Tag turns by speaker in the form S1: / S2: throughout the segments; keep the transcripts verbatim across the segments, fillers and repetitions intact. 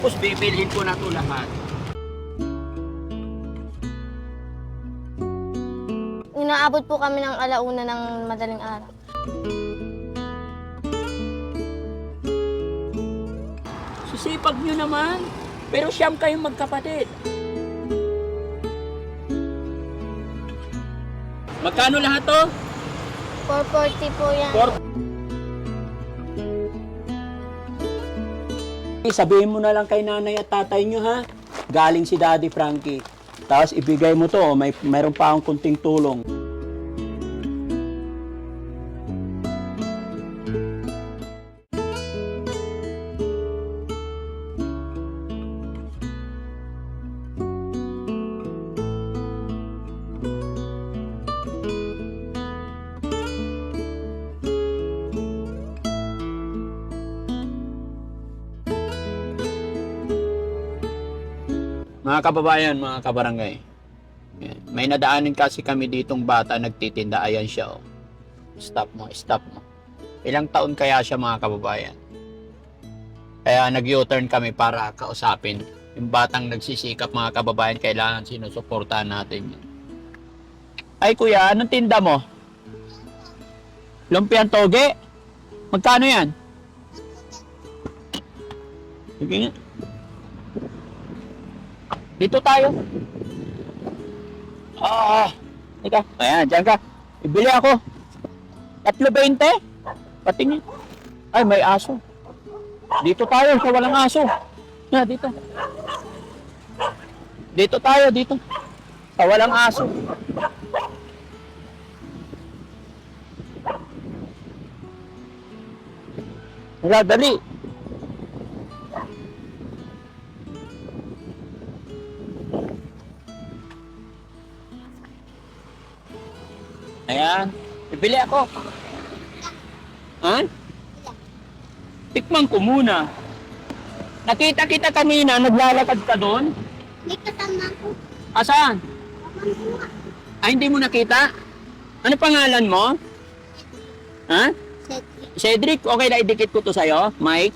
S1: Tapos bibilhin ko na ito lahat.
S2: Inaabot po kami ng alauna ng madaling araw.
S1: Sisipag nyo naman. Pero siyam kayong magkapatid. Magkano lahat to?
S2: four forty po yan.
S1: For... Sabihin mo na lang kay nanay at tatay nyo ha. Galing si Daddy Frankie. Tapos ibigay mo to, may mayroon pa akong kunting tulong. Mga kababayan, mga kabarangay, may nadaanin kasi kami ditong bata nagtitinda. Ayan siya, oh. Stop mo, stop mo. Ilang taon kaya siya, mga kababayan? Kaya nag-U-turn kami para kausapin yung batang nagsisikap, mga kababayan. Kailangan sinusuportahan natin yun. Ay kuya, anong tinda mo? Lumpiang toge? Magkano yan? Sige nga. Dito tayo. Ah, ika. Ayan, dyan ka. Ibili ako. Tatlo beinte. Patingin. Ay, may aso. Dito tayo sa walang aso. Na, dito. Dito tayo, dito. Sa walang aso. Wala, dali. Ayan. Bibili ako. Ha? Tikman ko muna. Nakita kita kanina, naglalakad ka doon?
S2: May kasama ko.
S1: Asan? Ay, hindi mo nakita? Ano pangalan mo? Ha? Cedric, okay na idikit ko to sa'yo, Mike?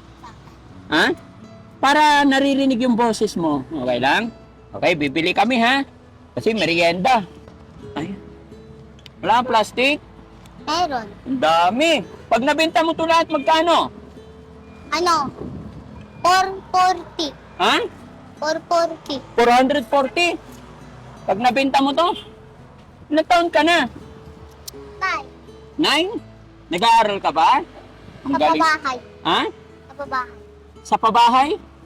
S1: Ha? Para naririnig yung boses mo. Okay lang? Okay, bibili kami ha? Kasi merienda. Ay. Wala kang plastic?
S2: Meron.
S1: Ang dami. Pag nabenta mo to lahat, magkano?
S2: Ano? four forty.
S1: Ha?
S2: four forty.
S1: four forty. Pag nabenta mo to, ilang taon ka na?
S2: Five.
S1: Nine? Nag-aaral ka ba? Ang
S2: Sa
S1: galing.
S2: pabahay.
S1: Ha?
S2: Sa pabahay.
S1: Sa pabahay?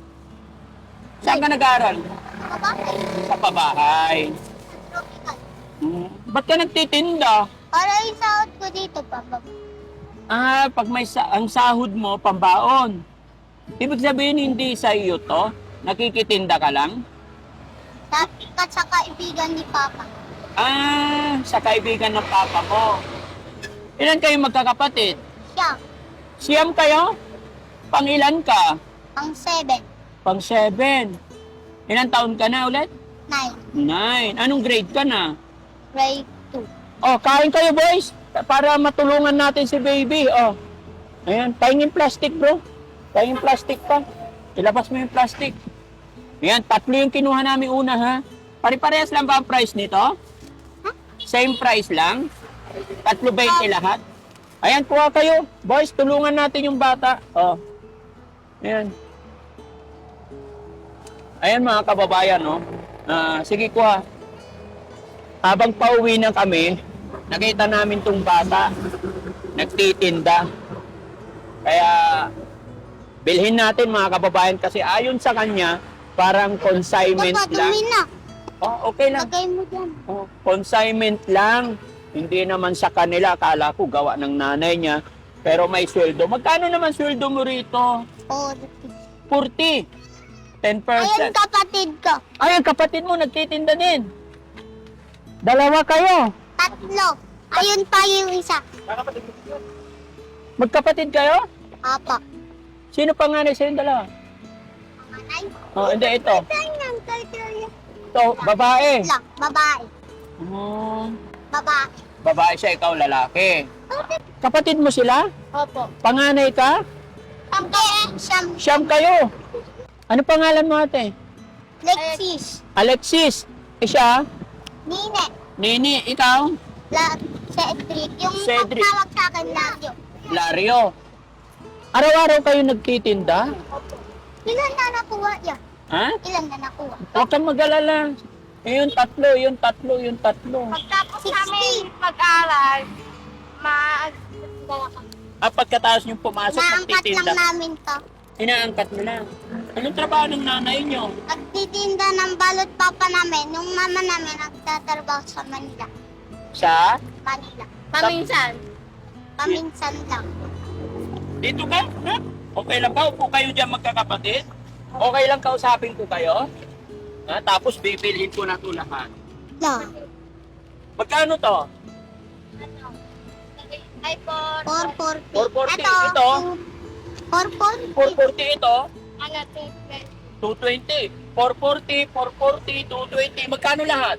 S1: Saan ka nag-aaral?
S2: Sa pabahay.
S1: Sa pabahay.
S2: Tropical.
S1: Hmm. Ba't ka nagtitinda?
S2: Para yung sahod ko dito, pababa.
S1: Ah, pag may sa ang sahod mo, pambaon. Ibig sabihin, hindi sa iyo to? Nakikitinda ka lang?
S2: Sa, sa kaibigan ni Papa.
S1: Ah, sa kaibigan ng papa mo. Ilan kayo magkakapatid?
S2: Siya.
S1: Siyam kayo? Pangilan ka?
S2: Ang seven.
S1: Pang seven. Ilang taon ka na ulit?
S2: Nine.
S1: Nine. Anong grade ka na?
S2: Grade two.
S1: Oh, kain kayo boys. Para matulungan natin si baby. Oh. Ayan, pahingin plastic bro. Pahingin plastic pa. Ilabas mo yung plastic. Ayan, tatlo yung kinuha namin una ha. Pare-parehas lang ba ang price nito?
S2: Huh?
S1: Same price lang? Tatlo beinte lahat? Ayan, kuha kayo. Boys, tulungan natin yung bata. Oh. Ayan. Ayan mga kababayan, no? Ah, sige, kuha. Habang pauwi na kami, nakita namin tong bata. Nagtitinda. Kaya, bilhin natin mga kababayan kasi ayon sa kanya, parang consignment
S2: Papa,
S1: lang.
S2: dumi na.
S1: Oh, okay lang.
S2: Lagay mo dyan.
S1: Oh, consignment lang. Hindi naman sa kanila. Akala ko gawa ng nanay niya. Pero may sweldo. Magkano naman sweldo mo rito?
S2: forty.
S1: forty. ten
S2: Ayun
S1: percent.
S2: kapatid ko.
S1: Ay, ang kapatid mo nagtitinda din. Dalawa kayo.
S2: Tatlo. Ayun pa yung isa.
S1: Magkapatid kayo?
S2: Apa.
S1: Sino panganay sa yung dalawa?
S2: Panganay.
S1: Oh, hindi, ito.
S2: Ganyan, kaya
S1: Ito, babae.
S2: lang. Babae.
S1: Oh,
S2: Babae.
S1: babae siya, ikaw lalaki. Kapatid mo sila?
S2: Opo.
S1: Panganay ka?
S2: Ang siyam.
S1: Siyam kayo. Ano pangalan mo ate?
S2: Lexis.
S1: Alexis. Eh siya?
S2: Nine.
S1: Nini, ikaw?
S2: La, Cedric. Yung
S1: Cedric.
S2: pagtawag sa akin Lario.
S1: Lario. Araw-araw kayo nagtitinda?
S2: Ilan na nakuha yan?
S1: Ha?
S2: Ilan na nakuha?
S1: Huwag kang mag-alala. Eh, yung tatlo, yung tatlo, yung tatlo.
S2: Pagtapos namin mag-aral, mag...
S1: Ah, pagkatapos nyo pumasok,
S2: Naangkat lang
S1: nagtitinda.
S2: namin to.
S1: Inaangkat mo lang. Anong trabaho ng nanay nyo?
S2: Nagtitinda ng balot papa namin. Yung mama namin nagtatrabaho sa Manila.
S1: Sa?
S2: Manila.
S1: Paminsan?
S2: Paminsan lang.
S1: Dito ka? Ha? Okay lang ba? Upo kayo dyan magkakapatid? Okay lang kausapin ko kayo? Ha? Tapos bibilhin ko na ito lahat.
S2: No.
S1: Magkano to?
S2: iPhone. four forty.
S1: four forty.
S2: Ito.
S1: Ito?
S2: four forty.
S1: four forty ito?
S2: Ano,
S1: two twenty. four forty, four forty, two twenty. Magkano lahat?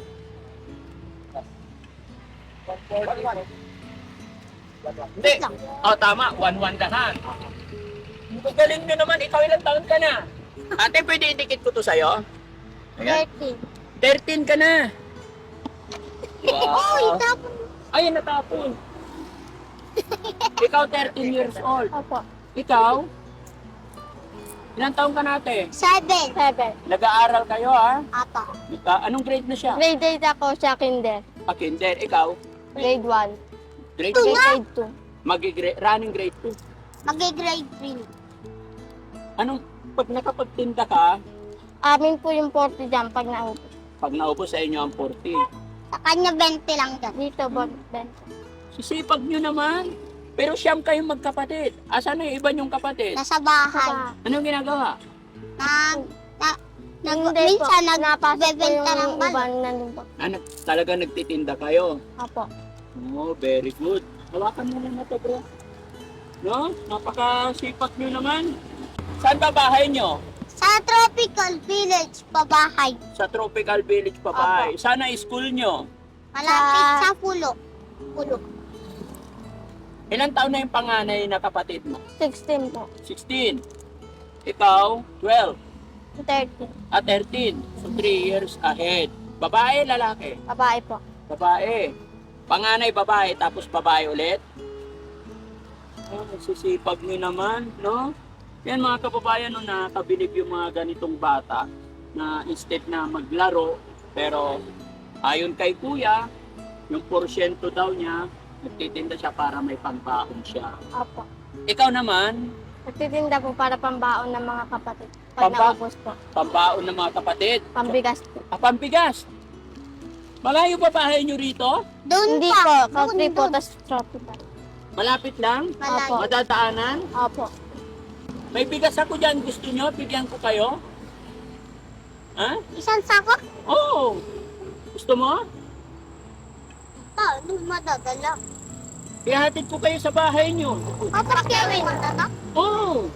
S1: Hindi. Oh, tama. one one lahat. Ang galing nyo naman. Ikaw ilang taon ka na? Ate, pwede idikit ko to sa'yo? Ayan.
S2: thirty.
S1: thirteen ka na.
S2: Oh,
S1: Wow.
S2: itapon.
S1: Ay, natapon. Ikaw thirteen years old.
S2: Opo.
S1: Ikaw? Ilang taon ka natin?
S2: Seven. Seven.
S1: Nag-aaral kayo ha?
S2: Apa.
S1: Ah, anong grade na siya?
S2: Grade eight ako sa kinder.
S1: Ah, kinder. Ikaw?
S2: Grade one.
S1: Grade
S2: Two
S1: two?
S2: Grade two.
S1: Magi-grade, running grade two.
S2: Mag-grade three.
S1: Anong, pag nakapagtinda ka,
S2: Amin po yung forty dyan pag naubos.
S1: pag naubos sa inyo ang forty.
S2: Sa kanya twenty lang dyan. Dito, twenty.
S1: Sisipag nyo naman. Pero siyam kayong magkapatid. Asan na yung iba nyong kapatid?
S2: Nasa bahay.
S1: Anong ginagawa?
S2: Nag... Na, nag minsan nagbebenta ng balot.
S1: Ano, talaga nagtitinda kayo?
S2: Apo.
S1: Oh, very good. Hawakan mo na to, bro. No? Napakasipag nyo naman. Saan ba bahay nyo?
S2: Sa Tropical Village, pabahay.
S1: Sa Tropical Village pa bahay. Sana school nyo?
S2: Malapit sa pulo. Pulo.
S1: Ilang taon na yung panganay na kapatid mo?
S2: sixteen po.
S1: sixteen. Ikaw, twelve.
S2: thirteen.
S1: At thirteen. So, three years ahead. Babae, lalaki?
S2: Babae po.
S1: Babae. Panganay, babae, tapos babae ulit. Oh, sisipag nyo naman, no? Yan mga kababayan, no, nakakabilib yung mga ganitong bata na instead na maglaro, pero ayon kay kuya, yung porsyento daw niya, nagtitinda siya para may pangbaon siya.
S2: Apo.
S1: Ikaw naman,
S2: Nagtitinda po para pambaon ng mga kapatid. Pag
S1: Pamba-
S2: naubos po.
S1: pambaon ng mga kapatid.
S2: Pambigas po.
S1: Ah, pambigas. Malayo pa bahay nyo rito?
S2: Doon Hindi po. Country po, tas tropical.
S1: Malapit lang?
S2: Opo.
S1: Madadaanan?
S2: Opo.
S1: May bigas ako dyan. Gusto nyo? Bigyan ko kayo? Ha?
S2: Isang sako?
S1: Oo. Gusto mo?
S2: Pa, doon madadala.
S1: Ihatid ko kayo sa bahay nyo.
S2: Tapos gawin.
S1: Oo.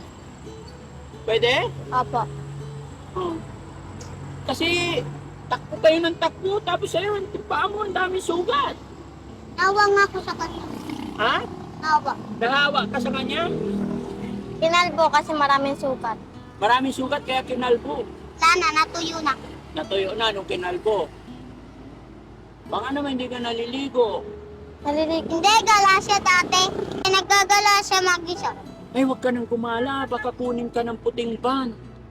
S1: Pwede?
S2: Opo.
S1: Oo. Kasi takbo kayo ng takbo. Tapos ayun, paa mo ang dami sugat.
S2: Nawa nga ako sa kanya.
S1: Ha?
S2: Nawa.
S1: Nahawa ka sa kanya?
S2: Kinalbo kasi maraming sukat.
S1: Maraming sugat kaya kinalbo.
S2: Sana, natuyo na.
S1: Natuyo na nung kinalbo. Baka naman hindi ka naliligo.
S2: Nalilig. Hindi, gala siya dati. Nagagala siya mag-isa.
S1: Ay, huwag ka nang gumala. Baka kunin ka ng puting van.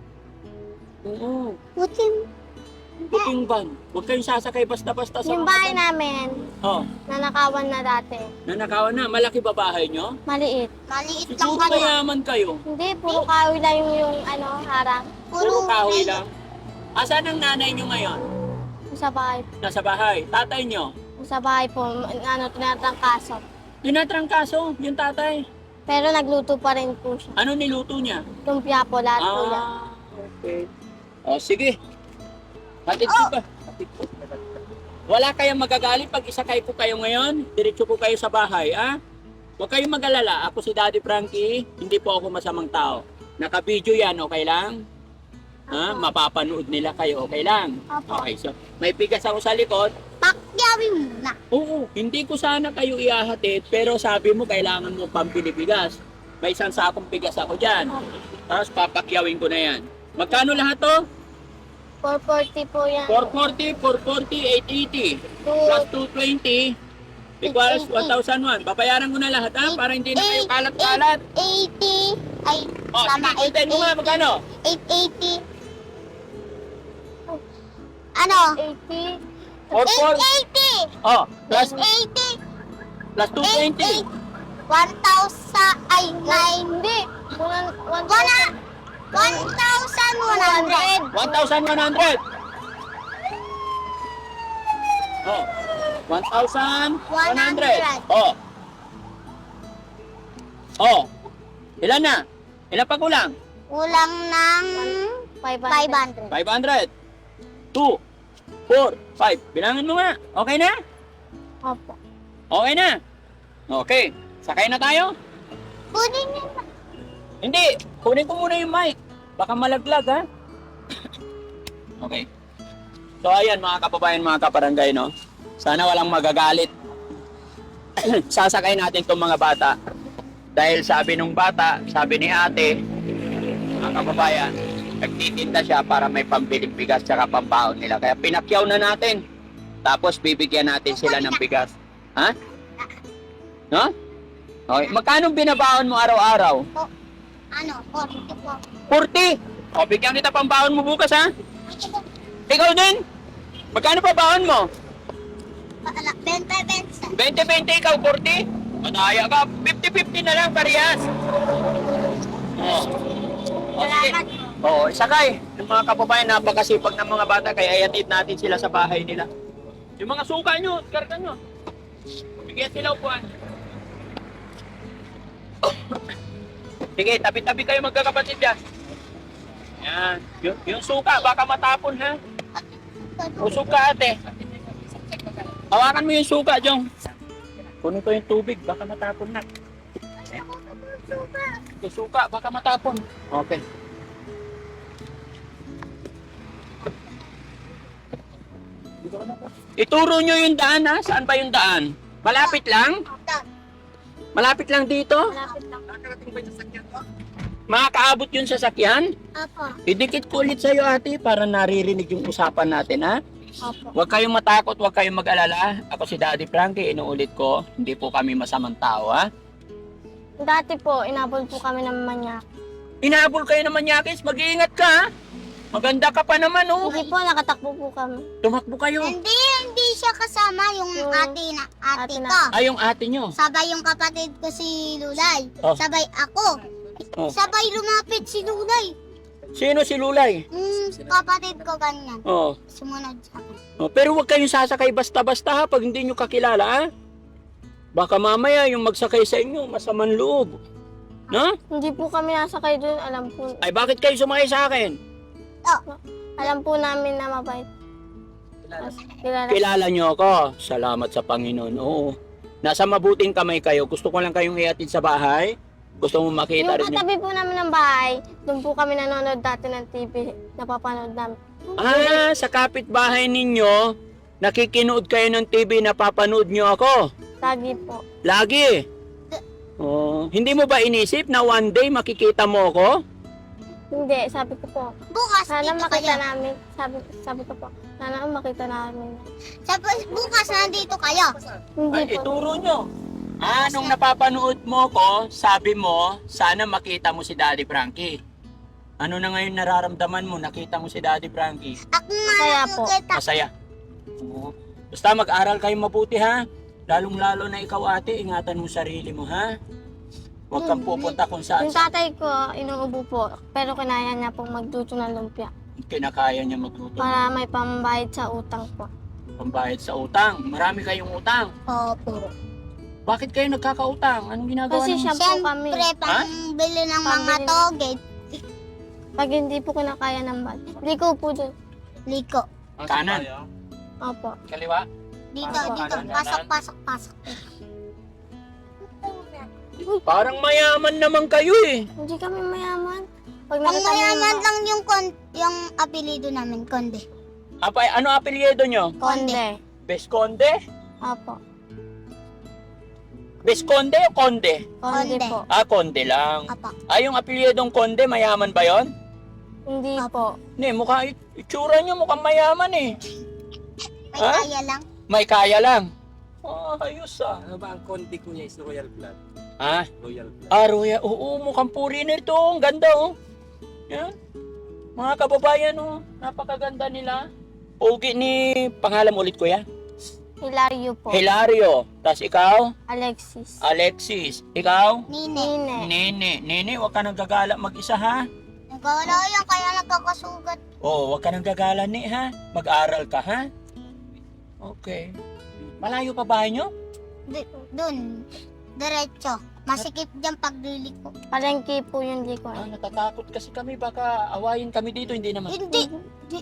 S1: Oo,
S2: Putin.
S1: puting van. Huwag kayong sasakay basta-basta sa
S2: Yung
S1: mga
S2: bahay
S1: van.
S2: namin,
S1: Oh,
S2: nanakawan na dati.
S1: nanakawan na. Malaki ba bahay nyo?
S2: Maliit. Maliit
S1: Siguro mayaman kayo.
S2: Hindi, puro kahoy lang yung, yung ano, harang.
S1: Puro kahoy lang. Asan ang nanay nyo ngayon?
S2: Sa bahay.
S1: Nasa bahay. Tatay nyo?
S2: Sa bahay po, ano, tinatangkaso.
S1: Tinatrangkaso, yung tatay.
S2: Pero nagluto pa rin po siya.
S1: Ano niluto niya?
S2: Lumpia po, lahat po yan.
S1: Ah, okay. O, sige. Hatid ko ba? Hatid ko. Wala kayong magagalit pag isakay ko kayo ngayon. Diretso ko kayo sa bahay, ah? Huwag kayong mag-alala. Ako si Daddy Frankie. Hindi po ako masamang tao. Naka-video yan, okay lang? Ha? Mapapanood nila kayo, okay lang?
S2: Opo.
S1: Okay, so may bigas ako sa likod.
S2: Pakyawin muna.
S1: Oo, hindi ko sana kayo iahatid, pero sabi mo kailangan mo pambili bigas. May isang sakong bigas ako dyan. Tapos papakyawin ko na yan. Magkano lahat to?
S2: four forty po yan.
S1: four forty, four forty, eight eighty. Plus two twenty equals one thousand one. Babayaran ko na lahat ha, para hindi na kayo kalat-kalat.
S2: eighty. Ay,
S1: O,
S2: tama.
S1: sige, hintayin mo nga, magkano?
S2: eight eighty. Ano? eighty.
S1: four forty.
S2: eight eighty.
S1: Oh, plus,
S2: eight eighty.
S1: plus two twenty.
S2: one thousand. Ay, nine. Hindi. one thousand one hundred.
S1: one thousand one hundred. Oh, one thousand one hundred. Oh. Oh. Ilan na? Ilan pa kulang?
S2: Kulang ng five hundred.
S1: five hundred. two, four, five. Bilangin mo nga. Okay na?
S2: Opo.
S1: Okay na? Okay. Sakay na tayo?
S2: Kunin niyo na.
S1: Hindi. Kunin ko muna yung mic. Baka malaglag, ha? Okay. So, ayan, mga kababayan, mga kaparangay, no? Sana walang magagalit. Sasakay natin itong mga bata. Dahil sabi nung bata, sabi ni ate, mga kababayan, nagtitinda siya para may pambiling bigas tsaka pambaon nila. Kaya pinakyaw na natin. Tapos bibigyan natin sila ng bigas. Ha? No? Okay. Magkano binabaon mo araw-araw?
S2: Ano? forty po.
S1: forty. O, bigyan kita pambaon mo bukas, ha? Ikaw din? Magkano pa baon mo?
S2: twenty, twenty.
S1: twenty twenty, ikaw forty? Madaya ka. fifty fifty na lang, parehas. Oh. O, sige.
S2: Salamat.
S1: Oo, isakay. Yung mga kababayan, napakasipag ng mga bata, kaya iatid natin sila sa bahay nila. Yung mga suka nyo, karga nyo. Bigyan sila upuan. Sige, tabi-tabi kayo magkakapatid dyan. Yan. Yung, yung suka, baka matapon, ha? O suka, ate. Hawakan mo yung suka, Jong. Kunin ko yung tubig, baka matapon na. Yung suka, baka matapon. Okay. Ituro nyo yung daan, ha? Saan ba yung daan? Malapit lang? Malapit lang dito?
S2: Malapit lang.
S1: Makakaabot yung sasakyan?
S2: Apo.
S1: Idikit ko ulit sa'yo, ate, para naririnig yung usapan natin, ha?
S2: Apo.
S1: Huwag kayong matakot, huwag kayong mag-alala. Ako si Daddy Frankie, inuulit ko, hindi po kami masamang tao, ha?
S2: Dati po, inabol po kami ng manyak.
S1: Inahabol kayo ng manyakis, mag-iingat ka, ha? Maganda ka pa naman, oh.
S2: Hindi po, nakatakbo po kami.
S1: Tumakbo kayo.
S2: Hindi, hindi siya kasama yung,
S3: Yung
S2: ate na ate,
S3: ate
S2: ko.
S3: na-
S1: Ay, yung ate nyo.
S2: Sabay yung kapatid ko si Lulay.
S1: Oh.
S2: Sabay ako.
S1: Oh.
S2: Sabay lumapit si Lulay.
S1: Sino si Lulay?
S2: Hmm, kapatid ko ganyan.
S1: Oh.
S2: Sumunod sa akin.
S1: Oh, pero huwag kayong sasakay basta-basta, ha, pag hindi nyo kakilala, ha? Baka mamaya yung magsakay sa inyo, masamang loob. No?
S3: Hindi po kami nasakay doon. Alam po,
S1: Ay, bakit kayo sumakay sa akin?
S3: alam po namin na mabait. As, kilala.
S1: Kilala nyo ako. Salamat sa Panginoon. Oo. Nasa mabuting kamay kayo. Gusto ko lang kayong iatid sa bahay. Gusto mo makita
S3: Yung
S1: rin yung...
S3: katabi po namin ng bahay, doon po kami nanonood dati ng T V. Napapanood namin.
S1: Ah, sa kapitbahay ninyo, nakikinood kayo ng T V, napapanood nyo ako.
S3: Lagi po.
S1: Lagi. Oh, hindi mo ba inisip na one day makikita mo ako?
S3: Hindi, sabi ko po.
S2: Bukas
S3: Sana
S2: dito
S3: makita
S2: kayo.
S3: namin. Sabi, sabi ko po, sana makita namin.
S2: Sabi, bukas nandito kayo.
S3: Hindi
S1: Ay,
S3: po.
S1: ituro nyo. Ah, nung napapanood mo ko, sabi mo, sana makita mo si Daddy Frankie. Ano na ngayon nararamdaman mo? Nakita mo si Daddy Frankie.
S2: Ako nga
S3: Masaya po.
S2: nakikita.
S1: Masaya. Oo. Basta mag-aral kayo mabuti, ha? Lalong-lalo na ikaw, ate, ingatan mo sarili mo, ha? Huwag kang pupunta kung saan
S3: Yung
S1: sa
S3: tatay ko, inuubo po. Pero kinaya niya pong magduto ng lumpia.
S1: kinakaya niya magluto.
S3: Para may pambayad sa utang po.
S1: Pambayad sa utang. Marami kayong utang.
S2: Opo.
S1: Bakit kayo nagkakautang? Anong ginagawa
S3: Kasi
S1: niyo?
S3: siya po kami.
S2: Siyempre, pambili ng mga
S3: Pambili.
S2: toge.
S3: Pag hindi po kinakaya ng bad. Liko po dun.
S2: Liko.
S1: Kanan.
S3: Opo.
S1: Kaliwa.
S2: Dito,
S1: Pasok,
S2: dito.
S1: kanan,
S2: Pasok,
S1: kanan.
S2: pasok, pasok.
S1: Parang mayaman naman kayo eh.
S3: Hindi kami mayaman. Pag
S2: Ang
S3: nakita mo
S2: mayaman
S3: yung
S2: lang yung, kon yung apelido namin, Konde.
S1: Apa, ano apelyido nyo?
S3: konde.
S2: Konde.
S1: Besconde?
S3: Opo.
S1: Visconde o Conde?
S3: Konde
S2: Konde.
S3: po.
S1: Ah, Conde lang.
S2: Apo.
S1: Ah, yung apelyidong Conde, mayaman ba yon?
S3: Hindi po.
S1: Hindi, mukha, itsura nyo mukhang mayaman eh.
S2: May
S1: Ha?
S2: kaya lang.
S1: May kaya lang. Oh, ayos ah.
S4: Ano ba ang konti ko niya is royal blood?
S1: Ah,
S4: Royal blood.
S1: ah, Roya, oo, mukhang foreigner to. Ang ganda oh. Yan. Mga kababayan oh, napakaganda nila. Pogi ni, pangalan mo ulit kuya?
S3: Hilario po.
S1: Hilario. Tapos ikaw?
S3: Alexis.
S1: Alexis. Ikaw?
S2: Nine.
S3: Nine.
S1: Nene. Nene, huwag ka nang gagala mag-isa ha.
S2: Nagkawala yan, kaya nagkakasugat.
S1: Oo, huwag ka nang gagala ni ha. Mag-aral ka ha. Okay. Malayo pa bahay nyo?
S2: D- dun. Diretso. Masikip dyan pagliliko.
S3: Palengke po yung liko.
S1: Ah, natatakot kasi kami. Baka awayin kami dito. Hindi naman.
S2: Hindi. Di,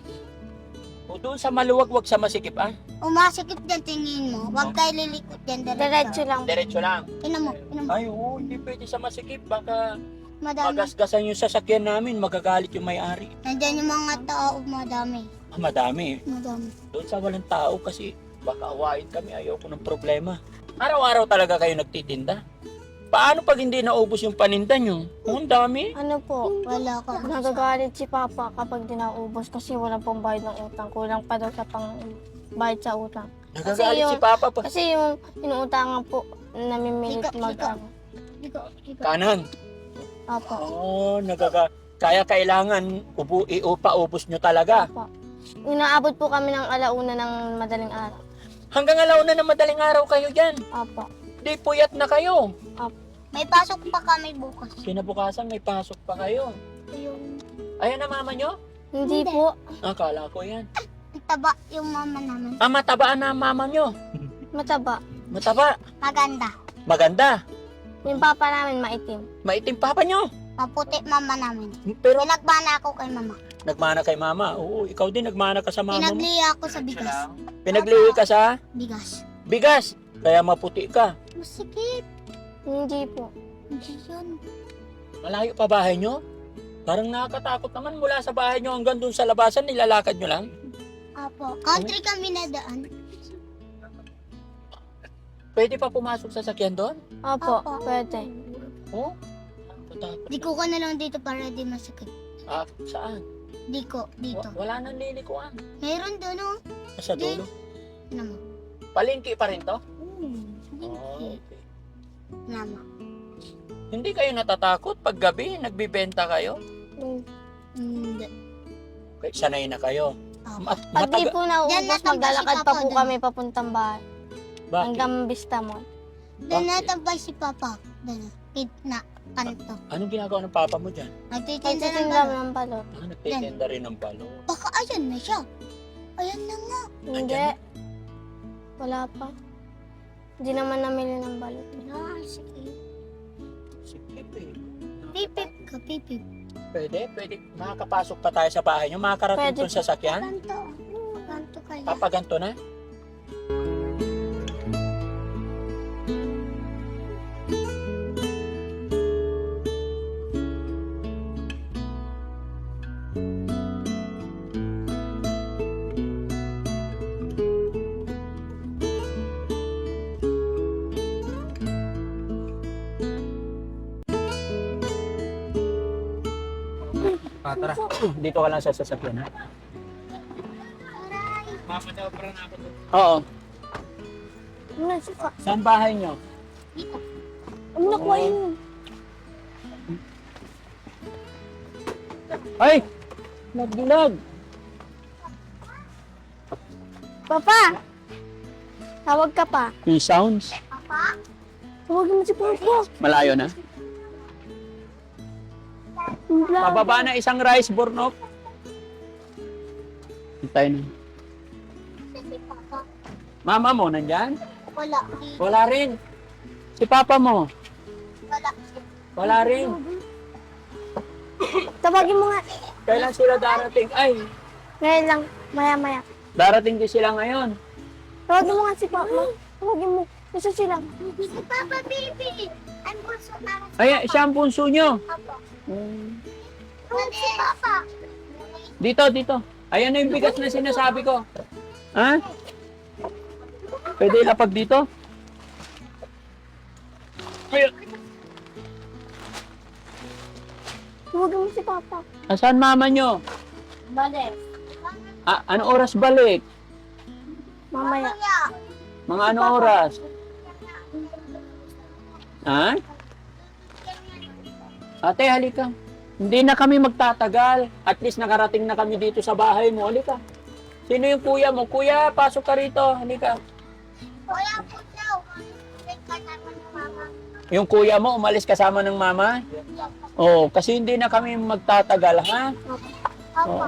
S1: O doon sa maluwag, wag sa masikip ah.
S2: umasikip dyan tingin mo. Huwag tayo lilikot dyan
S3: Diretso
S2: diretso.
S3: lang.
S1: Diretso lang.
S2: Ina mo, ina mo.
S1: Ay, oo, hindi pwede sa masikip. Baka
S2: Madami.
S1: magasgasan yung sasakyan namin. Magagalit yung may-ari.
S2: Nandyan yung mga tao, madami.
S1: Ah, madami.
S2: Madami.
S1: Doon sa walang tao kasi baka awayin kami. Ayoko ng problema. Araw-araw talaga kayo nagtitinda. Paano pag hindi naubos yung paninda nyo? Oh, ang dami.
S3: Ano po?
S2: Wala ka.
S3: Nagagalit si Papa kapag di naubos kasi walang pong bayad ng utang. Kulang pa daw sa pang bayad sa utang.
S1: Nagagalit
S3: yung-
S1: si Papa pa.
S3: Kasi yung inuutangan po, namimilit
S2: Ikaw,
S3: mag
S2: ikaw.
S3: ano.
S2: Ikaw, ikaw.
S1: Kanan.
S3: Opo.
S1: Oh, nagaga... Kaya kailangan ubu iupa-ubos nyo talaga.
S3: Opo. Inaabot po kami ng alauna ng madaling araw.
S1: Hanggang alauna na madaling araw kayo dyan.
S3: Opo.
S1: Di puyat na kayo.
S2: May pasok pa kami bukas.
S1: Kinabukasan may pasok pa kayo.
S2: Yung
S1: Ayan na mama nyo?
S3: Hindi
S2: Hindi.
S3: po.
S1: Akala ko yan.
S2: taba yung mama namin.
S1: Ah, matabaan na ang mama nyo.
S3: Mataba.
S1: Mataba.
S2: Maganda.
S1: Maganda.
S3: Yung papa namin maitim.
S1: Maitim papa nyo.
S2: Maputi mama namin.
S1: Pero
S2: Pinagbana ako kay mama.
S1: nagmana kay mama. Oo, ikaw din nagmana ka sa mama mo.
S2: Pinagliya ako sa bigas.
S1: Pinagliwi ka sa
S2: Bigas.
S1: bigas. Kaya maputi ka.
S2: Masikip.
S3: Hindi po.
S2: Hindi yun.
S1: Malayo pa bahay nyo? Parang nakakatakot naman mula sa bahay nyo hanggang dun sa labasan. Nilalakad nyo lang.
S2: Apo. Country kami na daan.
S1: Pwede pa pumasok sa sakyan doon?
S3: Opo.
S2: Opo.
S3: Pwede.
S1: Oo. Takot.
S2: Di ko ka na lang dito para di masakit.
S1: Ah, saan?
S2: Di ko. Dito.
S1: Wa- Wala nang lilikuan.
S2: Meron doon oh.
S1: Sa dulo.
S2: Ano mo?
S1: Palengke pa rin to?
S2: Hmm.
S1: Oh,
S2: Hindi.
S1: okay.
S2: Nama.
S1: Hindi kayo natatakot pag gabi nagbibenta kayo?
S2: Hindi.
S1: Okay, sanay na kayo.
S2: Apo.
S1: Mat-
S3: Pag di
S1: mataga-
S3: po
S2: Diyan
S3: nauubos,
S2: natambay si
S3: maglalakad pa
S2: Papa
S3: po
S2: dun.
S3: kami papuntang bahay.
S1: Bakit?
S3: Hanggang Vista Mall.
S2: Doon
S1: Bakit?
S2: natambay si Papa. Doon. Kid na. Kanto.
S1: Anong ginagawa ng papa mo dyan?
S2: Nagtitinda ng
S3: Nagtitinda
S2: balot.
S3: ng balot.
S1: Ah, nagtitinda rin ng balo.
S2: Baka ayan na siya. Ayan na nga.
S3: Hindi.
S1: Andyan
S3: Wala pa. Hindi naman namili ng balot.
S2: Ah, sige.
S1: Sige, eh.
S2: Pipip ka, pipip.
S1: Pwede, pwede. Makakapasok pa tayo sa bahay nyo. Makakarating
S3: Pwede
S1: doon sa sakyan.
S2: Kanto. Kanto kaya.
S1: Papaganto na.
S4: Ah, tara.
S1: Dito ka lang sa sasakyan, ha?
S4: Mamadabra na ako doon.
S1: Oo.
S3: Ano na siya?
S1: Saan bahay nyo?
S3: Ano nakuha yun?
S1: Ay! Nagdilag!
S3: Papa! Tawag ka pa.
S1: Yung sounds.
S2: Papa?
S3: Tawagin mo si Papa.
S1: Malayo na.
S3: Wala.
S1: Pababa na isang rice burnok. Hintay na.
S2: Si Papa.
S1: Mama mo, nandyan?
S2: Wala. Di-
S1: Wala rin. Si papa mo?
S2: Wala.
S1: Wala rin.
S3: Tawagin mo nga.
S1: Kailan sila darating? Ay,
S3: Ngayon lang. Maya maya.
S1: darating din sila ngayon.
S3: Tawagin mo nga si Papa. Tawagin mo. Isa sila.
S2: Si Papa, baby. I'm also para sa
S1: Ay, siya ang punso nyo.
S2: Papa.
S1: Hmm.
S2: Si Papa.
S1: Dito, dito. Ayan na yung bigas na sinasabi ko. Ha? Pwede ilapag dito? Ayun.
S3: Huwag mo si Papa.
S1: Asan mama nyo?
S3: Balik.
S1: Ah, ano oras balik?
S3: Mamaya.
S1: Mga ano oras? Ha? Ate, halika. Hindi na kami magtatagal. At least nakarating na kami dito sa bahay mo. Halika. Sino yung kuya mo? Kuya, pasok ka rito. Halika.
S2: Kuya po daw. Kasama ng mama.
S1: Yung kuya mo, umalis kasama ng mama? Oo, kasi hindi na kami magtatagal, ha?
S2: Opo.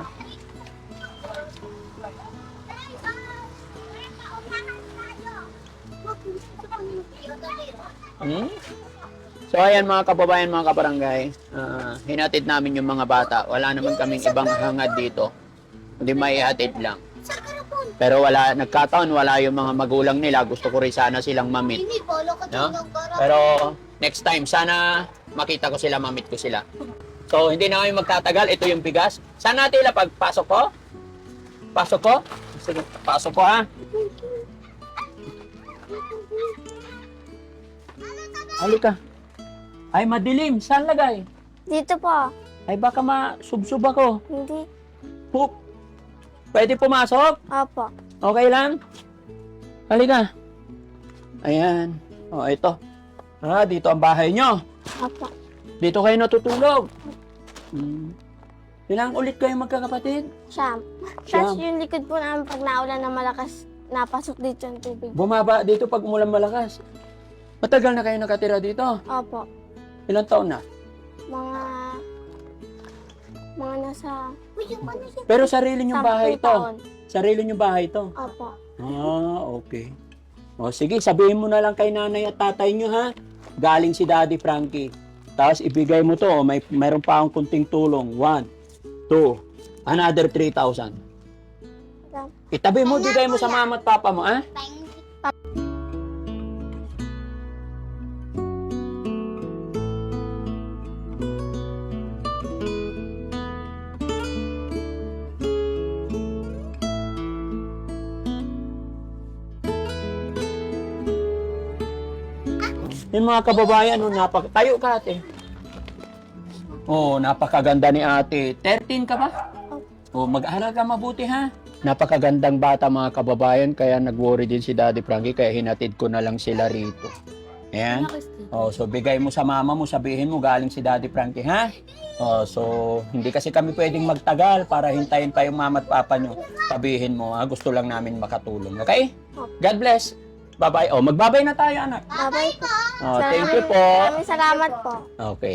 S1: Hmm? So ayan mga kababayan, mga kabarangay, ah, hinatid namin yung mga bata. Wala naman kaming ibang hangad dito. Hindi may ihatid lang. Pero wala, nagkataon, wala yung mga magulang nila. Gusto ko rin sana silang mamit.
S2: Hindi, bolo ka
S1: No?
S2: tulog.
S1: Pero next time, sana makita ko sila, mamit ko sila. So hindi na kami magtatagal. Ito yung bigas. Saan natin ilapag? Pasok ko? Pasok ko? Sige, pasok ko ha. Halika. Ay, madilim. Saan lagay?
S3: Dito po.
S1: Ay, baka masubsob ako.
S3: Hindi.
S1: Poop. Pwede pumasok?
S3: Opo.
S1: Okay lang? Halika. Ayan. O, ito. Ah, dito ang bahay nyo.
S3: Opo.
S1: Dito kayo natutulog. Hmm. Ilang ulit kayo magkakapatid?
S3: Siyam.
S1: Siyam.
S3: Tapos yung likod po namin pag naulan na malakas, napasok dito yung tubig.
S1: Bumaba dito pag umulan malakas. Matagal na kayo nakatira dito?
S3: Opo.
S1: Ilang taon na?
S3: Mga... Mga nasa...
S1: Pero sarili nyong bahay
S3: sampung
S1: ito.
S3: taon.
S1: Sarili nyong bahay ito.
S3: Opo.
S1: Ah, okay. O sige, sabihin mo na lang kay nanay at tatay nyo ha. Galing si Daddy Frankie. Tapos ibigay mo to, may mayroon pa akong kunting tulong. One, two, another three thousand. Itabi mo, bigay mo sa mama at papa mo, ha? Yung mga kababayan, no, napak tayo ka ate. Oh, napakaganda ni ate. thirteen ka ba? Oh, mag-aral ka mabuti ha. Napakagandang bata mga kababayan, kaya nag-worry din si Daddy Frankie, kaya hinatid ko na lang sila rito. Ayan. Oh, so bigay mo sa mama mo, sabihin mo galing si Daddy Frankie, ha? Oh, so hindi kasi kami pwedeng magtagal para hintayin pa yung mama at papa nyo. Sabihin mo, ha? Gusto lang namin makatulong, okay? God bless. Bye-bye. Oh, magbabay na tayo, anak.
S3: Bye-bye po.
S1: Oh, thank you po.
S3: Maraming salamat po.
S1: Okay.